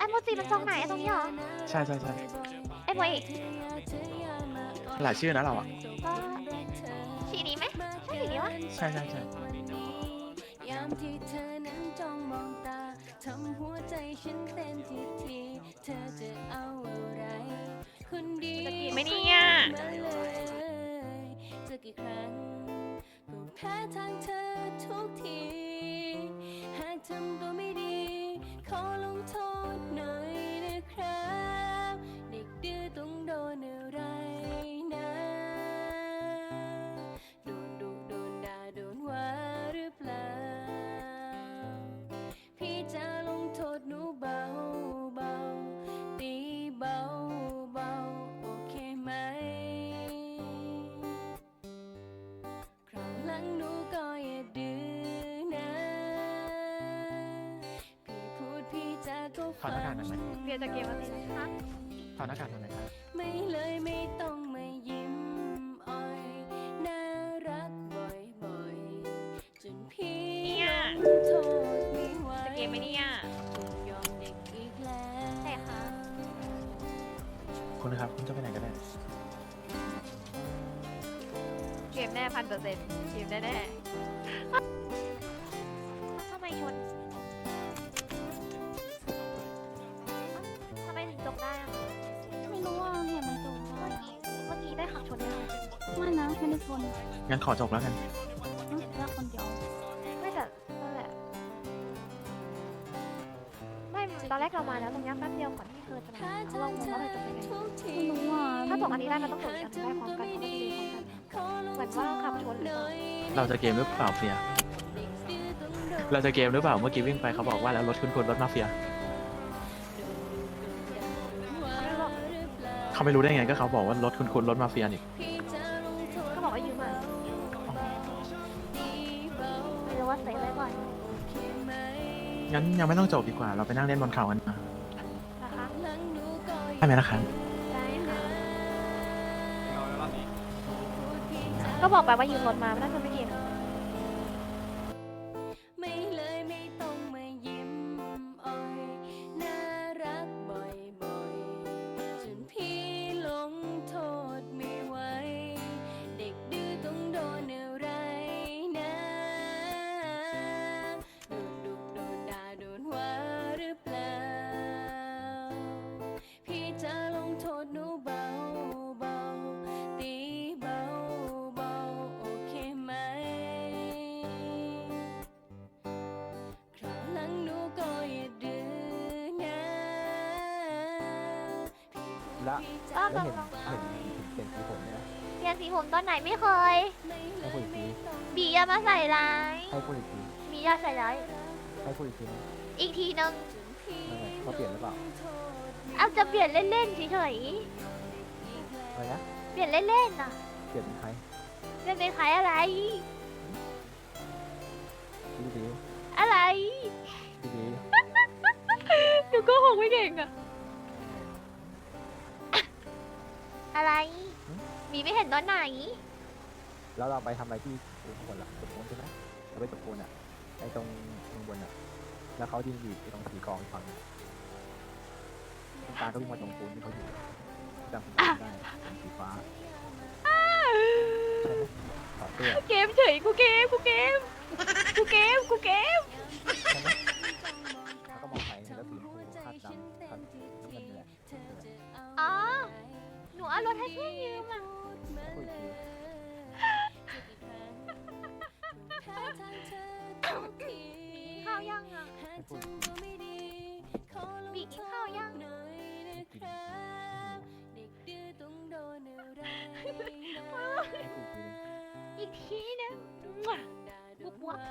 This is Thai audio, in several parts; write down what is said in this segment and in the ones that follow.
โมจิมันตรงไหนตรงนี้เหรอใช่ใช่ใช่ไอ้โมจิหลายชื่อนะเราอ่ะก็สีนี้ไหมใช่สีนี้วะใช่ใช่ใช่ยามที่เธอนั้นจ้องมองตาทำหัวใจฉันเต้นทีทีเธอจะเอาอะไรคนดีจะกินไหมเนี่ยมาเลยจะกี่ครั้งก็แพ้ทางเธอทุกทีหากทำตัวไม่ดีขอลงโทษหน่อยนะครับเด็กดื้อต้องโดนอะไรนะโดนดุโดนด่าโดนว่าหรือเปล่าพี่จะลงโทษหนูเบาเบาตีเบาเบาโอเคไหมคราวหลังหนูก็อย่าดื้อนะพี่พูดพี่จาก็ถอดหน้ากากหน่อยไหมเบียร์จะเกมอะไรนะคะถอดหน้ากากหน่อยไหมครับไม่เลยไม่ต้องมายิ้มอ่อยน่ารักบ่อยๆจนพี่เนี่ยโทษไม่ไหวจะเกมไหมเนี่ยคงยอมเด็กอีกแล้วใช่ค่ะคุณนะครับคุณจะไปไหนกันแน่เกมแน่1,000%เกมแน่แน่ทำไมชนทำไมถึงจบได้อะไม่รู้ว่าเห็นมันจมเมื่อกี้ได้ขับชนได้ไหมไม่นะไม่ได้ชนงั้นขอจบแล้วกันแค่คนเดียวไม่แต่นั่นแหละไม่ตอนแรกเรามาแล้วตรงนี้แป๊บเดียวก่อนที่เธอจะมาเรางงว่าเธอจะไปไหนไม่รู้ว่าถ้าส่งอันนี้ได้มันต้องส่งอีกอันได้พร้อมกันเพราะมันดีพร้อมกันเหมือนว่าขับชนหรือเปล่าเราจะเกมหรือเปล่าเฟีย เราจะเกมหรือเปล่าเมื่อกี้วิ่งไปเขาบอกว่าแล้วรถคุณรถมาเฟียไม่บอกเขาไม่รู้ได้ไงก็เขาบอกว่ารถคุณรถมาเฟียนี่ก็บอกว่ายืมมาไม่รู้ว่าเซฟไว้ก่อนงั้นยังไม่ต้องจบดีกว่าเราไปนั่งเล่นบนเขากันนะนะคะได้ไหมนะครับได้ค่ะก็บอกไปว่ายืมรถมาไม่น่าจะไม่เกมไม่เลยไม่ต้องมายิ้มอ่อยน่ารักบ่อยๆจนพี่หลงโทษไม่ไหวเด็กดื้อต้องโดนอะไรนะโดนดุโดนด่าโดนว่าหรือเปล่าพี่จะลงโทษหนูเบาเบาตีเบาเบาโอเคไหมคราวหลังหนูก็อย่าดื้อนะแล้วก็แล้วลองเห็นสีผมเนี่ยเปลี่ยนสีผมตอนไหนไม่เคยให้พูดอีกทีบีอย่ามาใส่ร้ายให้พูดอีกทีบีอย่าใส่ร้ายให้พูดอีกทีนะอีกทีนึงนั่นแหละเขาเปลี่ยนหรือเปล่าเอาจะเปลี่ยนเล่นๆเฉยอะไรนะๆเปลี่ยนเล่นๆน่ะเปลี่ยนเป็นใครเปลี่ยนเป็นใครอะไรดีดีอะไรดีดีหนูก็คงไม่เก่งอะอะไรบีไม่เห็นตอนไหนแล้วเราไปทำอะไรที่จุดบนล่ะจุดบนใช่ไหมเราไปจุดบนอ่ะไอ้ตรงบนอ่ะ แล้วเขายืนอยู่ไอ้ตรงสีกองอีกฝั่งหนึ่งตรงกลางก็วิ่งมาตรงปูนที่เขาอยู่จำสีฟ้าได้เป็นสีฟ้าใช่ไหมถอดเสื้อเกมเฉยกูเกมกูเกมกูเกมกูเกมใช่ไหมแล้วก็มองไปแล้วสีชมพูคาดดำคาดน้ำเงินนี่แหละอ๋อหนูเอารถให้เพื่อนยืมอะพูดอีกทีข้าวยังอะให้พูดอีกทีบีกินข้าวยังให้พูดอีกทีหนึ่งอีกทีนึงปุ๊บปุ๊บ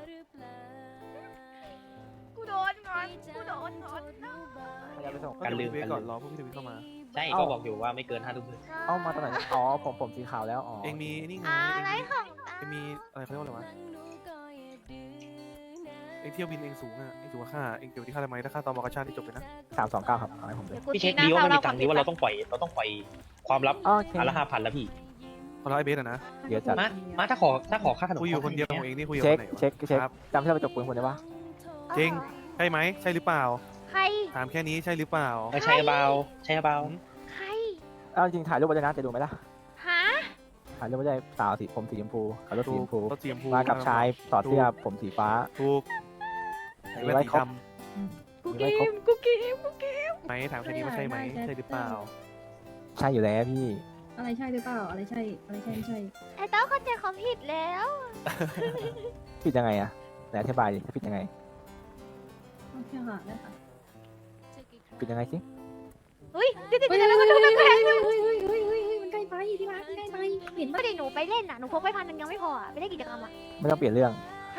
กูโดนงอนกูโดนงอนนะพยายามไปส่งการลืมไว้ก่อนรอพวกพี่ทวิตเข้ามาใช่เอ้าก็บอกอยู่ว่าไม่เกิน5 ทุ่มครึ่งเอ้ามาตอนไหนอ๋อผมสีขาวแล้วอ๋อเองมีนี่ไงอะไรของเองมีอะไรเขาเรียกว่าอะไรวะเองเที่ยวบินเองสูงอ่ะเองสูงกว่าค่าเองเก็บไว้ที่ค่าทำไมถ้าค่าตอมอกระชาติที่จบเลยนะ 329ครับเอาให้ผมเลยพี่เช็คดีว่ามันมีตังค์ดีว่าเราต้องปล่อยความลับโอเคอันละ5,000แล้วพี่พอเราไอเบสอะนะเดี๋ยวจัดมาถ้าขอค่าขนมคุยอยู่คนเดียวของเองนี่คุยกับเช็คคนไหนวะเช็คครับจำที่เราไปจบปืนคนได้ปะจริง ใช่ไหมใช่หรือเปล่าใครถถามแค่นี้ใช่หรือเปล่าใช่เบาใช่เบาใครเอาจริงถ่ายรูปไว้ด้วยนะจะดูไหมล่ะหาถ่ายรูปไว้ด้วยสาวสีผมสีชมพูขับรถสีชมพูรถสีชมพูมากับชายถอดเสื้อผมสีฟ้าถูกมีแว่นไว้สีครบดกูเกมกูเกมกูเกมำไหมถามแค่นี้ว่าใช่ไหมใช่หรือเปล่าใช่อยู่แล้วพี่อะไรใช่หรือเปล่า อะไรใช่ อะไรใช่ไม่ใช่ไอ้เต้าเข้าใจความผิดแล้วผิดยังไงอะไหนอธิบายดิผิดยังไงโอเคค่ะได้ค่ะผิดยังไงสิเฮ้ยเดี๋ยวเฮ้ยเดี๋ยวเฮ้ยเดี๋ยวเฮ้ยเดี๋ยวเฮ้ยเฮ้ยเฮ้ยเฮ้ยเฮ้ยมันใกล้ไปที่รักมันใกล้ไปเห็นไม่ปะได้หนูไปเล่นน่ะหนูพกไป1,000ยังไม่พออะไปเล่นกิจกรรมอ่ะไม่ต้องเปลี่ยนเรื่อง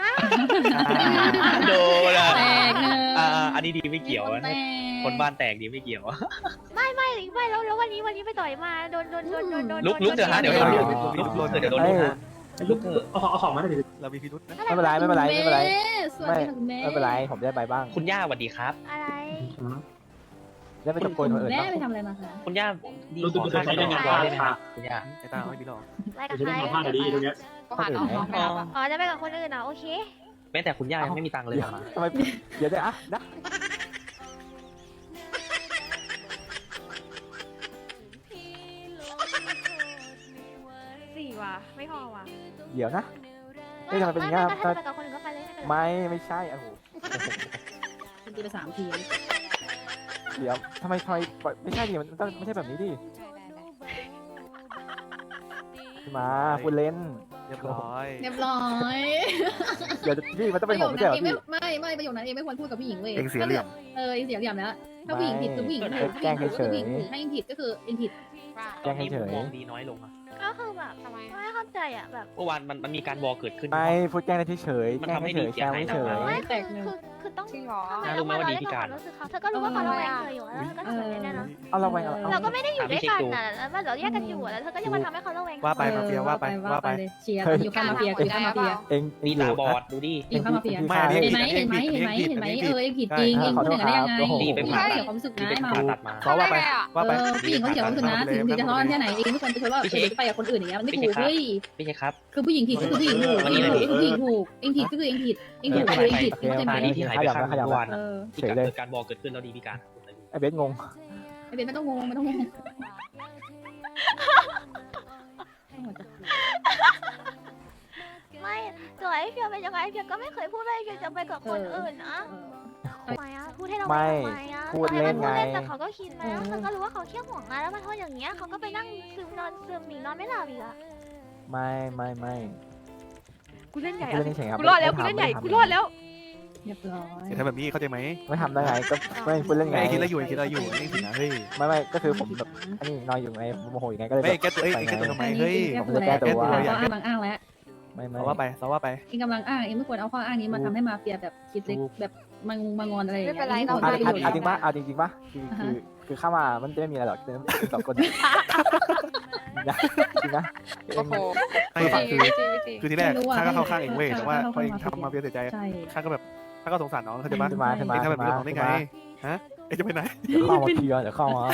โดนอ่ะแตกเนอะอันนี้ดีไม่เกี่ยวคนแตนะกคนบ้านแตกดีไม่เกี่ยวไม่แล้ววันนี้ไปต่อยมาโดนลุกเถอะฮะเดี๋ยวโดนลุกเถอะเดี๋ยวโดนลุกฮะลุกเถอะเรามีพิรุษนะไม่เป็นไรไม่เป็นไรไม่เป็นไรสวัสดีค่ะคุณแม่ไม่เป็นไรผมได้ไปบ้างคุณย่าสวัสดีครับอะไรได้ไปตะโกนคนอื่นแม่บ้างไปทำอะไรมาคะคุณย่าดีขอค่าขนมร้อยได้ไหมครับคุณย่าไอ้ตาไม่มีหรอกอะไรกับใครคนอื่นไหมอ๋อจะไปกับคนอื่นเหรอโอเคแม้แต่คุณย่ายังไม่มีตังค์เลยเดี๋ยวมาทำไมเดี๋ยวได้อะนะ 4 ว่ะไม่พอว่ะเดี๋ยวนะ เฮ้ยทำไมเป็นอย่างงี้ถ้าไปกับคนอื่นก็ไปเลยไม่ใช่โอ้โหคุณตีไป3 ทีเดี๋ยวทำไมไม่ใช่ดิมันต้องไม่ใช่แบบนี้ดิมาคุณเล่นเรียบร้อยเรียบร้อยเดี๋ยวพี่มันต้องปเป็นระโยผมคไม่นั้ใช่นเหรเออง พี่ไม่ประโยคนั้นเองไม่ควรพูดกับผู้หญิงเว้ยเองเสียเหลี่ยมเองเสียเหลี่ยมแล้วถ้าผู้หญิงผิดคือผู้หญิงถูกผู้หญิงถูกก็คือผู้หญิงถูกถ้าเองผิดก็คือเองผิดแจ้งให้เฉยมองดีน้อยลงอะก็คือแบบไม่เข้าใจอ่ะแบบเมื่อวานมันมีการวอลเกิดขึ้นไม่พูดแกล้งได้เฉยมันแกล้งทำให้เฉดียเสีแกยล้งหายเฉยไม่แตกคือต้องจริงเหรอน่ารู้ไหมว่าดีพิการรู้สึกเขาเธอก็รู้ว่าเขาระแวงเธออยู่แล้วก็ทำแบบนี้แน่นอนเอาเราไปเอาเราก็ไม่ได้อยู่ด้วยกันนะแล้วเราแยกกันอยู่แล้วเธอก็ยังมาทำให้เขาระแวงว่าไปมาเฟียว่าไปว่าไปเลยเชียร์อยู่ข้างมาเฟียอยู่ข้างมาเฟียเองดีตาบอดดูดิอยู่ข้างมาเฟียไม่เห็นไหมเห็นไหมเห็นไหมเห็นไหมเออเองผิดจริงเองพูดอย่างนั้นได้ยังไงเสียความรู้สึกดีนะไปมาผ่าตัดมาเพราะว่าไปว่าไปผู้หญิงเขาเสียความรู้สึกนะถึงจะทะเลาะกันแค่ไหนเองไม่ควรไปทะเลาะไปกับคนอื่นอย่างเงี้ยมันไม่ถูกเฮ้ยไม่ใช่ครับคือผู้หญิงผิดก็คือผู้หญิงถูกเองถูกผู้หญิงถูกเองผิดก็คือเองผิดเองถูกก็คือเองผิดเข้าใจไหมที่หายไปข้างเมื่อวานเออที่เกิดการวอลเกิดขึ้นแล้วดีพิการไอ้เบสงงไอเบนไม่ต้องงงไม่ต้องงงไม่ตัวไอ้เพียวเป็นยังไงเพียวก็ไม่เคยพูดว่าไอ้เพียวจะไปกับคนอื่นนะทำไมอ่ะพูดให้เราทำไมอ่ะพูดเล่นแต่เขาก็คิดแล้วเธอก็รู้ว่าเขาเขี้ยวห่วงนะแล้วมันโทษอย่างเงี้ยเขาก็ไปนั่งซึมหนีนอนไม่หลับอีกอ่ะไม่กูเล่นใหญ่พูดเล่นเฉยครับกูรอดแล้วกูเล่นใหญ่กูรอดแล้วเรียบร้อยอย่าทำแบบนี้เข้าใจไหมไม่ทำได้ไงก็ไม่พูดเล่นไงไอ้คิดอะไรอยู่ไอ้คิดอะไรอยู่นี่สินะเฮ้ยไม่ก็คือผมแบบอันนี้นอนอยู่ไงโมโหอยู่ไงก็เลยไม่แก้ตัวเอ้ยแก้ตัวทำไมเฮ้ยแก้ตัวแล้วข้ออ้างกำลังอ้างแล้วไม่เราว่าไปเราว่าไปเองกำลังอ้างเองไม่ควรเอาข้ออ้างนี้มาทำให้มาเฟียแบบคิดเล็กแบบมางอนอะไรอย่างเงี้ยเอาจริงปะเอาจริงปะคือเข้ามามันจะไม่มีอะไรหรอกคือ2 คนจริงนะโอ้โหไม่คือที่แรกข้าก็เข้าข้างเองเว้ยแต่ว่าพอเองทำมาเฟียเสียใจใช่ข้าก็แบบข้าก็สงสารน้องเข้าใจปะขึ้นมาเองทำแบบนี้กับน้องได้ไงฮะเองจะไปไหนเดี๋ยวเข้ามาเคลียร์เดี๋ยวเข้ามา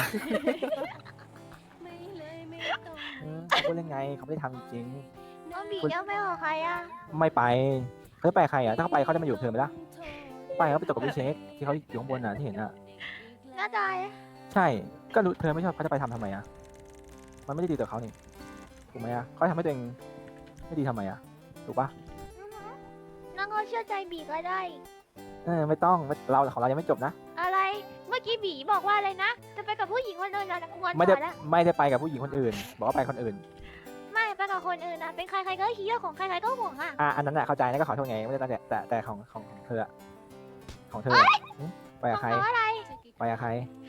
พูดเล่นไงเขาไม่ได้ทำจริงน้องบีเยอะไม่ออกใครอ่ะไม่ไปเขาจะไปใครอ่ะถ้าเขาไปเขาจะมาอยู่เธอไหมล่ะไปเขาไปตกกับพี่เช็คที่เขาอยู่ข้างบนน่ะที่เห็นอ่ะน่าใจใช่ก็รู้เธอไม่ชอบเขาจะไปทำไมอ่ะมันไม่ได้ดีต่อเขานี่ถูกไหมอ่ะเขาทำให้ตัวเองไม่ดีทำไมอ่ะถูกปะน้องก็เชื่อใจบีก็ได้ไม่ต้องเราของเรายังไม่จบนะอะไรเมื่อกี้บีบอกว่าอะไรนะจะไปกับผู้หญิงคนอื่นนะงอนไม่ได้แล้วไม่ได้ไปกับผู้หญิงคนอื่น บอกว่าไปคนอื่นไม่ไปกับคนอื่นนะเป็นใครๆก็เฮียของใครๆก็ห่วงอ่ะอันนั้นน่ะเข้าใจนะก็ขอโทษไงไม่ได้ตั้งแต่ของเธอของเธอไปกับใครเพราะอะไรไปกับใคร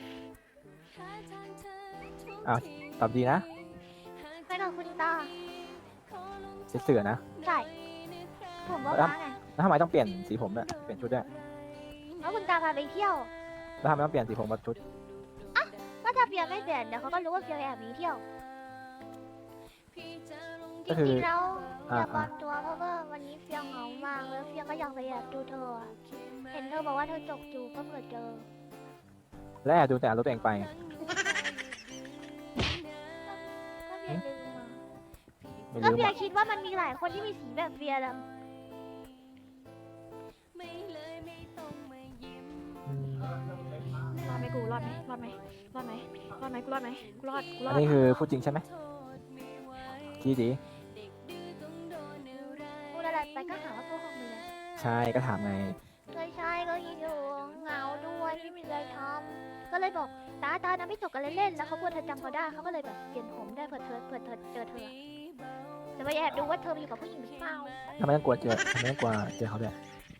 ตอบดีนะไปกับคุณตาเสือนะใช่ผมว่าม้าไงแล้วทำไมต้องเปลี่ยนสีผมด้วยเปลี่ยนชุดด้วยแล้วคุณตาพาไปเที่ยวแล้วทำไมต้องเปลี่ยนสีผมกับชุดก็ถ้าเพียงไม่เปลี่ยนเดี๋ยวเขาก็รู้ว่าเพียงแอบหนีเที่ยวจก็คือริงๆแล้วอยากอ่าปลอมตัวเพราะว่าวันนี้เพียงเหงามากแล้วเพียงก็อยากไปแอบดูเธออะเห็นเธอบอกว่าเธอจกจูก็เผื่อเจอและแอบดูแต่รถตัวเองไปก็เพียงลืมมาไม่ก็รู้เพียงคิดว่ามันมีหลายคนที่มีสีแบบเพียงแล้วอืมรอดไหมรอดไหมรอดไหมรอดไหมกูรอดไหมกูรอดกูรอัอน ดนี้คือพูดจริงใช่ไหมคิดดีพูดอะไรไปก็หาว่าพูดของมึงเลยใช่ก็ถามไงไม่ใช่ก็คิดอยู่เหงาด้วยไม่มีอะไรทำก็เลยบอกตานะไม่จบกันเล่นๆแล้วเขากลัวเธอจำเขาได้เขาก็เลยแบบเปลี่ยนผมได้เผื่อเธอเจอเธอจะไปแอบดูว่าเธอไปอยู่กับผู้หญิงหรือเปล่าทำไมต้องกลัวเจอทำไมต้องกลัวเจอเขาด้วย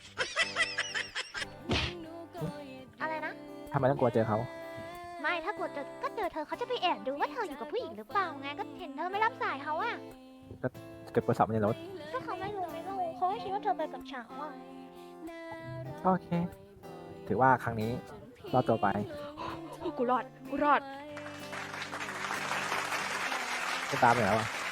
อะไรนะทำไมต้องกลัวเจอเขาไม่ถ้ากดเจอก็เจอเธอเขาจะไปแอบดูว่าเธออยู่กับผู้หญิงหรือเปล่าไงก็เห็นเธอไม่รับสายเขาอะเก็บโทรศัพท์ไว้ในรถก็เขาไม่รู้เขาไม่คิดว่าเธอไปกับฉันอะโอเค ถือว่าครั้งนี้รอดตัวไปกูรอดกูรอดจะตามไปแล้วอ่ะ